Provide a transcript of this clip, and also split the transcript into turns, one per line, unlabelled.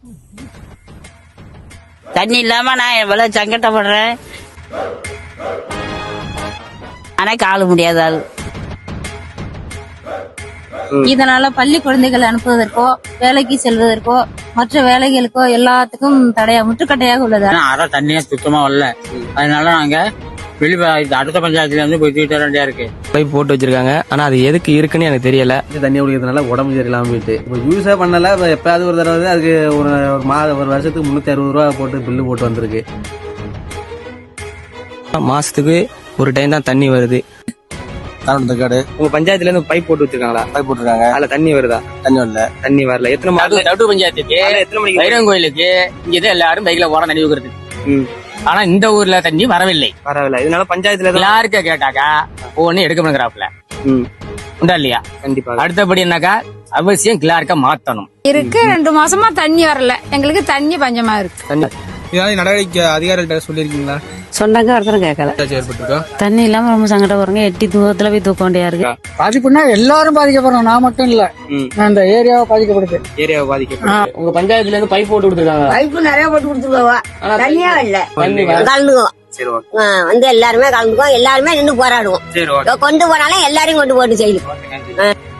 தண்ணி இல்லாம நான் எவ்வளவு சங்கடப்படுறேன். ஆனா கால முடியாத ஆள்.
இதனால பள்ளி குழந்தைகள் அனுப்புவதற்கோ வேலைக்கு செல்வதற்கோ மற்ற வேலைகளுக்கோ எல்லாத்துக்கும் முற்றுக்கட்டையாக உள்ளது.
அரை தண்ணியா சுத்தமா வரல. அதனால நாங்க அடுத்த பஞ்சாயத்துல இருந்து போய் தூக்கிட்டு வர வேண்டியா இருக்கு.
பைப் போட்டு வச்சிருக்காங்க. ஆனா அது எதுக்கு இருக்குன்னு எனக்கு தெரியல.
தண்ணி குடிக்கிறதுனால உடம்பு சரியில்லாம போயிட்டு இப்போ யூஸே பண்ணல. எப்பயாவது ஒரு தடவை அதுக்கு ஒரு வருஷத்துக்கு 360 ரூபா போட்டு பில்லு போட்டு வந்திருக்கு.
மாசத்துக்கு ஒரு டைம் தான் தண்ணி வருது.
காடு
உங்க பஞ்சாயத்துல இருந்து பைப் போட்டு வச்சிருக்காங்களா?
பைப் போட்டுருக்காங்க.
அதுல தண்ணி வருதா? தண்ணி வரல. எத்தனை மாசம்?
நடு பஞ்சாயத்துக்கு
எத்தனை மணிக்கு?
வைரம் கோயிலுக்கு இங்க எல்லாரும் பைக்ல ஓட நடிவுகிறது. ஆனா இந்த ஊர்ல தண்ணி வரவில்லை.
வரவில்லை. இதனால பஞ்சாயத்துல
எல்லாருக்க கேட்டாக்கா ஒண்ணு எடுக்க பண்ணுறாப்ல உண்டா இல்லையா?
கண்டிப்பா.
அடுத்தபடி என்னக்கா அவசியம் கிளார்க்க மாத்தணும்.
இருக்கு 2 மாசமா தண்ணி வரல. எங்களுக்கு தண்ணி பஞ்சமா இருக்கு.
தண்ணி
இதனால நடவடிக்கை அதிகாரிகிட்ட சொல்லிருக்கீங்களா?
சொன்னாங்க ஒருத்தரும் கேட்கல.
ஏற்பட்டிருக்கோம்.
தண்ணி இல்லாம ரொம்ப சங்கடப்படுறோங்க. எட்டி தூரத்துல போய் தூக்க வேண்டியா இருக்கு.
பாதிப்புனா எல்லாரும் பாதிக்கப்படுறோம். நான் மட்டும் இல்ல, அந்த ஏரியாவை பாதிக்கப்படுது.
ஏரியாவை பாதிக்கப்படும். உங்க பஞ்சாயத்துல இருந்து பைப் போட்டு கொடுத்துருக்காங்க.
பைப்பு நிறைய போட்டு கொடுத்துருக்கோம். தண்ணியா இல்ல.
தண்ணி
கலந்துக்குவோம்.
சரி, ஓகே.
வந்து எல்லாருமே கலந்துக்குவோம். எல்லாருமே நின்று போராடுவோம்.
சரி, ஓகே.
கொண்டு போனாலும் எல்லாரையும் கொண்டு போட்டு செய்யும்.